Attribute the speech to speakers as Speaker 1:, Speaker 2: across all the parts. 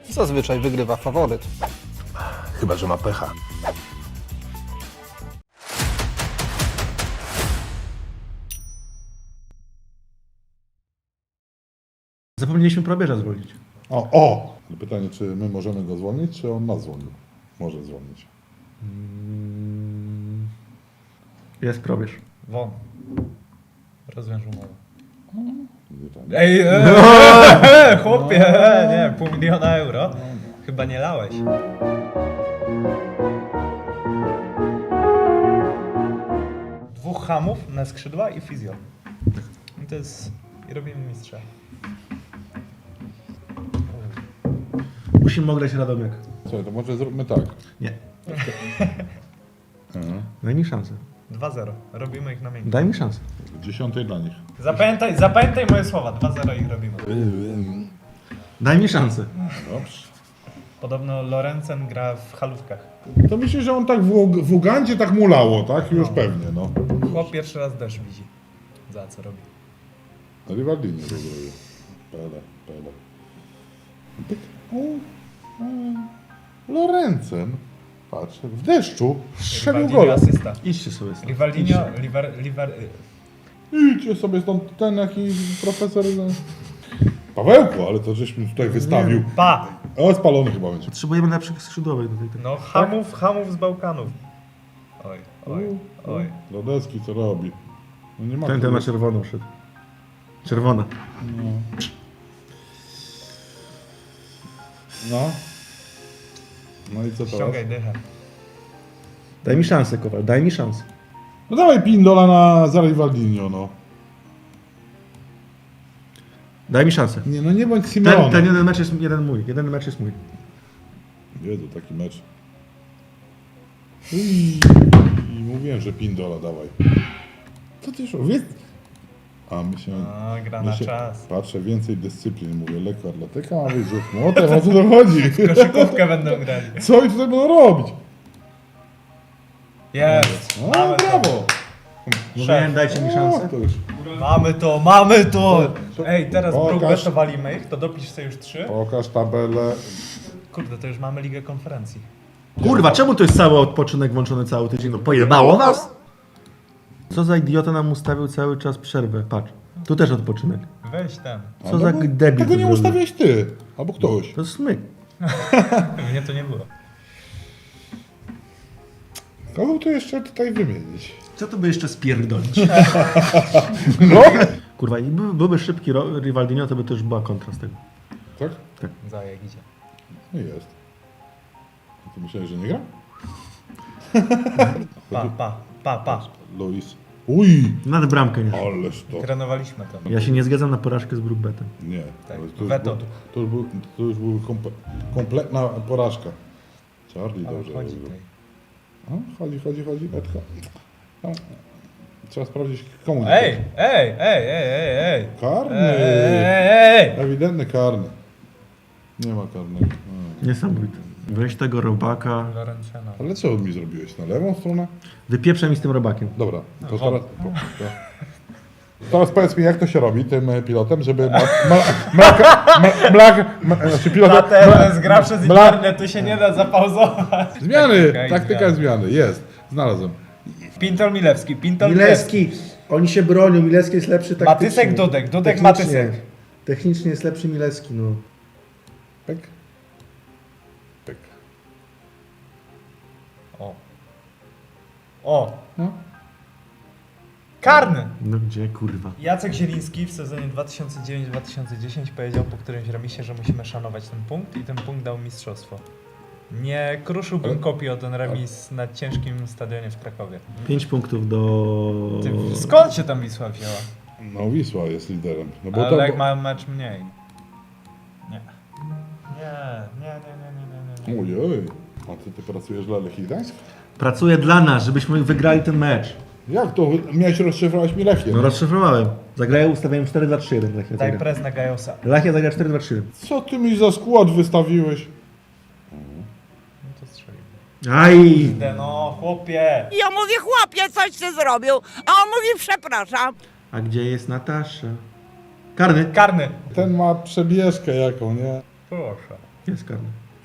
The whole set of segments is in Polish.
Speaker 1: Zazwyczaj wygrywa faworyt.
Speaker 2: Chyba że ma pecha.
Speaker 3: Zapomnieliśmy probierza zwolnić.
Speaker 4: O! Pytanie, czy my możemy go zwolnić, czy on nas zwolnił? Może zwolnić.
Speaker 3: Jest probierz.
Speaker 5: Won. Rozwiąż umowę.
Speaker 4: Pytanie.
Speaker 5: Ej, chłopie, nie, $500 000. Chyba nie lałeś. Dwóch hamów na skrzydła i fizjo. I to jest... I robimy mistrza.
Speaker 3: Musimy ograć Radomiak.
Speaker 4: Słuchaj, to może zróbmy tak.
Speaker 3: Nie. Daj mi szansę.
Speaker 5: 2-0. Robimy ich na miękko.
Speaker 3: Daj mi szansę.
Speaker 4: 10 dla nich.
Speaker 5: Zapamiętaj moje słowa. 2-0 ich robimy.
Speaker 3: Daj mi szansę.
Speaker 4: Dobrze.
Speaker 5: Podobno Lorencen gra w halówkach.
Speaker 4: To myślę, że on tak w Ugandzie tak mulało, tak? Już pewnie, no.
Speaker 5: Chłop pierwszy raz deszcz widzi. Za co robi.
Speaker 4: Rivaldini to zrobił. Pele. Pyk. Lorencen. Patrz, w deszczu strzelił
Speaker 5: Rivaldinho
Speaker 4: gola.
Speaker 5: asysta.
Speaker 3: Idźcie sobie stąd.
Speaker 5: Rivaldinho,
Speaker 4: Idźcie sobie stąd ten jakiś profesor. Pawełku, ale to żeśmy tutaj wystawił.
Speaker 5: Pa!
Speaker 4: O, spalony chyba będzie.
Speaker 3: Potrzebujemy lepszych skrzydłowych do tej
Speaker 5: No hamów z Bałkanów. Oj.
Speaker 4: Rodecki co robi? No nie ma
Speaker 3: Ten
Speaker 4: kogo.
Speaker 3: na czerwoną szedł. Czerwona.
Speaker 4: No. No i co teraz?
Speaker 5: Ściągaj dychę.
Speaker 3: Daj mi szansę, Kowal, daj mi szansę.
Speaker 4: No dawaj Pindola za Rivaldinho, no.
Speaker 3: Daj mi szansę.
Speaker 4: Nie, no nie bądź Simeone.
Speaker 3: Ten jeden mecz jest mój. Jeden mecz jest mój.
Speaker 4: Jezu, taki mecz. I mówiłem, że Pindola dawaj. Co ty już wie? A myślałem...
Speaker 5: No, gra na czas.
Speaker 4: Patrzę, więcej dyscyplin, mówię, lekko atletyka, a wy rzut młotem, o co to chodzi?
Speaker 5: Koszykówkę będą grali.
Speaker 4: Co oni tutaj będą robić?
Speaker 5: Jest!
Speaker 4: O,
Speaker 5: Mamy
Speaker 4: brawo!
Speaker 5: to.
Speaker 3: Mówiłem, dajcie mi
Speaker 4: O,
Speaker 3: szansę.
Speaker 4: to już.
Speaker 5: Mamy to! Ej, teraz
Speaker 4: Pokaż.
Speaker 5: Brugge walimy ich, to dopisz sobie już 3.
Speaker 4: Pokaż tabelę.
Speaker 5: Kurde, to już mamy Ligę Konferencji.
Speaker 3: Kurwa, czemu to jest cały odpoczynek włączony cały tydzień? No pojebało nas? Co za idiota nam ustawił cały czas przerwę? Patrz, tu też odpoczynek.
Speaker 5: Weź ten.
Speaker 3: Co za debil
Speaker 4: Tego
Speaker 3: to
Speaker 4: nie
Speaker 3: zrobił.
Speaker 4: ustawiłeś ty, albo ktoś.
Speaker 3: To jest smyk.
Speaker 5: Mnie to nie było.
Speaker 4: Kogo tu jeszcze tutaj wymienić?
Speaker 3: Co to by jeszcze spierdolić?
Speaker 4: No?
Speaker 3: Kurwa, i byłby szybki Rivaldinho, to by to już była kontra z tego.
Speaker 4: Tak?
Speaker 5: Za jak idzie.
Speaker 4: No jest. A ty myślałeś, że nie gra?
Speaker 5: Pa.
Speaker 4: Luis. Uj!
Speaker 3: Nad bramkę nie.
Speaker 4: Ależ to.
Speaker 5: Trenowaliśmy to.
Speaker 3: Ja się nie zgadzam na porażkę z Brookbetem.
Speaker 4: Nie.
Speaker 5: Tak,
Speaker 4: ale
Speaker 5: weto.
Speaker 4: To już był kompletna porażka. Charlie
Speaker 5: Ale
Speaker 4: dobrze
Speaker 5: chodzi
Speaker 4: robił.
Speaker 5: tutaj.
Speaker 4: Chodzi, Betka. No. Trzeba sprawdzić komu.
Speaker 5: Ej!
Speaker 4: Karny!
Speaker 5: Ej!
Speaker 4: Ewidentny karny. Nie ma karnego.
Speaker 3: Niesamowite. Weź tego robaka.
Speaker 5: Lorencena.
Speaker 4: Ale co mi zrobiłeś? Na lewą stronę?
Speaker 3: Wypieprzaj mi z tym robakiem.
Speaker 4: Dobra, to teraz... Teraz powiedz mi, jak to się robi tym pilotem, żeby znaczy pilotem...
Speaker 5: Teraz gra przez internet, tu się nie da zapauzować.
Speaker 4: Zmiany! Taktyka zmiany, jest. Znalazłem.
Speaker 5: Pintol Milewski.
Speaker 3: Milewski! Oni się bronią, Milewski jest lepszy taktycznie.
Speaker 5: Matysek, Dudek
Speaker 3: Technicznie.
Speaker 5: Matysek.
Speaker 3: Technicznie jest lepszy Milewski, no.
Speaker 4: Pyk. Pyk.
Speaker 5: O!
Speaker 4: No.
Speaker 5: Karny!
Speaker 3: No gdzie, kurwa?
Speaker 5: Jacek Zieliński w sezonie 2009-2010 powiedział po którymś remisie, że musimy szanować ten punkt i ten punkt dał mistrzostwo. Nie kruszyłbym kopii o ten remis na ciężkim stadionie w Krakowie.
Speaker 3: 5 punktów do...
Speaker 5: Skąd się tam Wisła wzięła?
Speaker 4: No Wisła jest liderem. No bo
Speaker 5: Ale
Speaker 4: to...
Speaker 5: jak ma mecz mniej. Nie. Nie.
Speaker 4: Ojej. A ty pracujesz dla Lechii Gdańsk?
Speaker 3: Pracuję dla nas, żebyśmy wygrali ten mecz.
Speaker 4: Jak to? Miałeś rozszyfrować mi Lechię?
Speaker 3: No rozszyfrowałem. Zagrają, ustawiałem 4-2-3-1. Lechia
Speaker 5: Daj
Speaker 3: zagra.
Speaker 5: prez na Gajosa.
Speaker 3: Lechia zagra 4-2-3-1.
Speaker 4: Co ty mi za skład wystawiłeś?
Speaker 5: No to strzelił.
Speaker 3: Aj!
Speaker 5: No chłopie!
Speaker 6: Ja mówię, chłopie, coś ty zrobił, a on mówi, przepraszam.
Speaker 3: A gdzie jest Natasza? Karny.
Speaker 5: Karny!
Speaker 4: Ten ma przebieżkę jaką, nie?
Speaker 5: Proszę.
Speaker 3: Jest karny.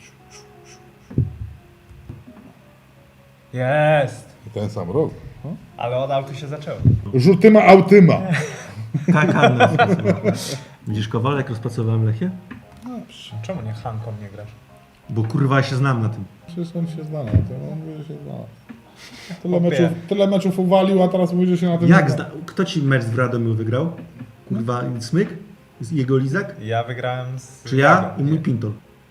Speaker 5: Jest!
Speaker 4: Ten sam rok. No.
Speaker 5: Ale od autu się zaczęło.
Speaker 4: Rzutyma autyma.
Speaker 3: Tak, karny. Widzisz, Kowalek, rozpracowałem Lechię?
Speaker 5: Czemu nie Hanką nie grasz?
Speaker 3: Bo kurwa, ja się znam na tym.
Speaker 4: Przecież on się zna na tym, on mówi, że się zna.
Speaker 5: Chłopie.
Speaker 4: Tyle meczów uwalił, a teraz mówi, że się na tym
Speaker 3: Jak
Speaker 4: zna.
Speaker 3: zna... Kto ci mecz w Radomiu wygrał? Kurwa, Smyk? Jego Lizak?
Speaker 5: Ja wygrałem z...
Speaker 3: Czy ja
Speaker 5: Jagą.
Speaker 3: i mój Pintol?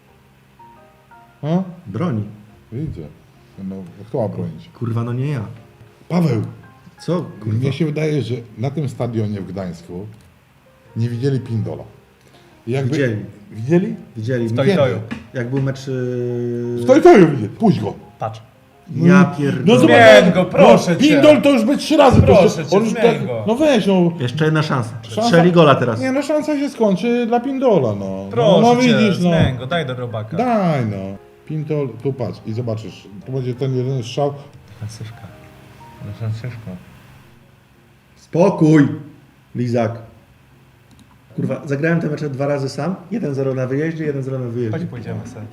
Speaker 4: No,
Speaker 3: Broni.
Speaker 4: idzie. No, kto ma bronić?
Speaker 3: Kurwa, no nie ja.
Speaker 4: Paweł,
Speaker 3: Co? Kurwa.
Speaker 4: mnie się wydaje, że na tym stadionie w Gdańsku nie widzieli Pindola. Jakby...
Speaker 3: Widzieli.
Speaker 4: Widzieli?
Speaker 3: Widzieli.
Speaker 5: W Toju.
Speaker 3: Jak był mecz...
Speaker 4: Stoi to ją widzieli. Puść go.
Speaker 5: Patrz.
Speaker 3: Ja pierdolę.
Speaker 4: zobacz,
Speaker 5: Zmień go, proszę cię.
Speaker 4: Pindol to już by 3 razy.
Speaker 5: Proszę cię,
Speaker 4: on już
Speaker 5: zmień go.
Speaker 4: No weź, no.
Speaker 3: Jeszcze jedna szansa.
Speaker 4: Szansa-
Speaker 3: Strzeli gola teraz.
Speaker 4: Nie, no szansa się skończy dla Pindola, no.
Speaker 5: Proszę
Speaker 4: no,
Speaker 5: cię,
Speaker 4: widzisz, no.
Speaker 5: zmień go, daj do robaka.
Speaker 4: Daj, no. Pintol, tu patrz i zobaczysz. To będzie ten jeden strzał.
Speaker 5: Franciszka. No Franciszko.
Speaker 3: Spokój, Lizak. Kurwa, zagrałem te mecze 2 razy sam. 1-0 na wyjeździe, 1-0 na
Speaker 5: Chodź
Speaker 3: wyjeździe.
Speaker 5: pójdziemy sobie.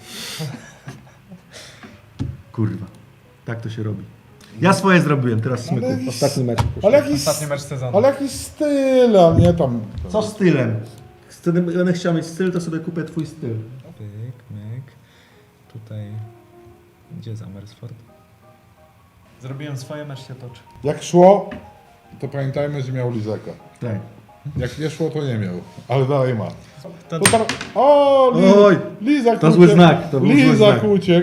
Speaker 3: Kurwa, tak to się robi. Ja swoje zrobiłem, teraz Smyku.
Speaker 4: Ale-
Speaker 3: Ostatni mecz.
Speaker 4: Ale jakiś,
Speaker 5: Ostatni mecz sezonu.
Speaker 4: ale jakiś styl, a nie tam.
Speaker 3: Co stylem? Wtedy będę chciał mieć styl, to sobie kupię twój styl.
Speaker 5: Pyk, myk. Tutaj... Gdzie jest Amersfoort? Zrobiłem swoje, mecz się toczy.
Speaker 4: Jak szło, to pamiętajmy, że miał Lizaka.
Speaker 3: Tak.
Speaker 4: Jak nie szło, to nie miał. Ale dalej ma.
Speaker 5: To
Speaker 4: To tam... O,
Speaker 3: Oj,
Speaker 4: Lizak
Speaker 3: to zły znak, to był zły
Speaker 4: Lizak
Speaker 3: znak.
Speaker 4: uciekł.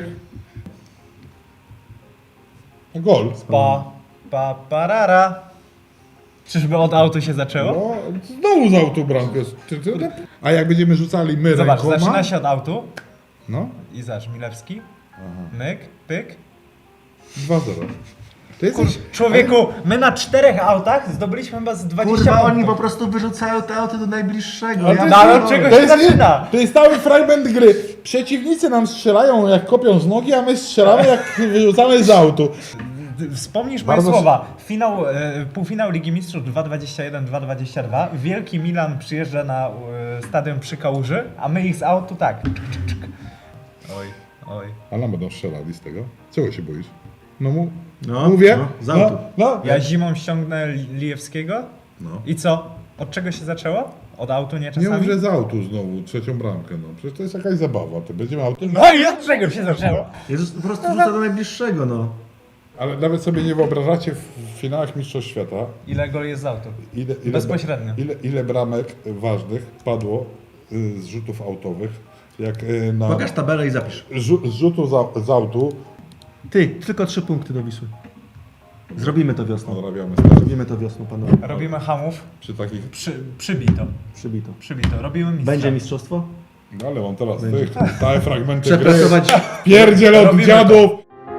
Speaker 4: Gol.
Speaker 5: parara. Czyżby od autu się zaczęło?
Speaker 4: No, znowu z autu bramkę. A jak będziemy rzucali my
Speaker 5: Zobacz,
Speaker 4: rękoma...
Speaker 5: zaczyna się od autu
Speaker 4: No,
Speaker 5: i zobacz, Milewski, myk, pyk.
Speaker 4: 2-0. To jesteś...
Speaker 5: Człowieku, my na 4 autach zdobyliśmy chyba z 20
Speaker 3: Kurwa,
Speaker 5: punktów.
Speaker 3: oni po prostu wyrzucają te auty do najbliższego.
Speaker 4: Ale to
Speaker 3: Ja
Speaker 4: jest-
Speaker 5: No ale
Speaker 3: pierdolę.
Speaker 5: od czego
Speaker 4: To
Speaker 5: się
Speaker 4: jest,
Speaker 5: zaczyna?
Speaker 4: to jest cały fragment gry. Przeciwnicy nam strzelają jak kopią z nogi, a my strzelamy jak wyrzucamy z autu.
Speaker 5: Wspomnisz moje
Speaker 4: Bardzo-
Speaker 5: słowa. Półfinał Ligi Mistrzów 2-21-2-22. Wielki Milan przyjeżdża na stadion przy Kałuży, a my ich z autu tak. Oj, oj.
Speaker 4: A nam będą strzelali z tego. Czego się boisz? No,
Speaker 3: No,
Speaker 4: mówię.
Speaker 3: no, z autu.
Speaker 4: No.
Speaker 5: Ja zimą ściągnę Lijewskiego
Speaker 3: No.
Speaker 5: i co? Od czego się zaczęło? Od autu nie
Speaker 4: Nie
Speaker 5: czasami?
Speaker 4: mów, że z autu znowu, trzecią bramkę. No. Przecież to jest jakaś zabawa. To będziemy auto.
Speaker 5: No i od czego się zaczęło?
Speaker 3: Jezus, po prostu rzuca do najbliższego, no.
Speaker 4: Ale nawet sobie nie wyobrażacie w finałach Mistrzostw Świata,
Speaker 5: Ile gol jest z autu?
Speaker 4: ile,
Speaker 5: Bezpośrednio.
Speaker 4: ile bramek ważnych padło z rzutów autowych. Jak na
Speaker 3: Pokaż tabelę i zapisz.
Speaker 4: z rzutu z autu
Speaker 3: Ty, tylko 3 punkty do Wisły. Zrobimy to wiosną.
Speaker 4: odrabiamy stary.
Speaker 3: Zrobimy to wiosną, panowie.
Speaker 5: Robimy hamów.
Speaker 4: Przy takich.
Speaker 5: Przybito.
Speaker 3: Przybito.
Speaker 5: Przybito. Robimy mistrza.
Speaker 3: Będzie mistrzostwo?
Speaker 4: No ale on teraz
Speaker 3: Będzie.
Speaker 4: tych całe fragmenty gry.
Speaker 3: Przepracować.
Speaker 4: Pierdziel od
Speaker 5: Robimy
Speaker 4: dziadów!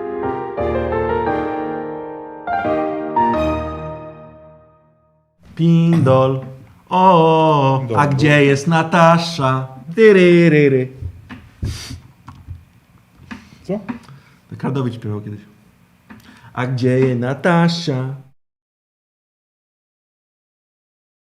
Speaker 3: Pindol. O, a
Speaker 4: Dobra.
Speaker 3: gdzie jest Natasza? Tyryryry.
Speaker 4: Co?
Speaker 3: Kardowicz śpiewał kiedyś. A gdzie jest Natasza?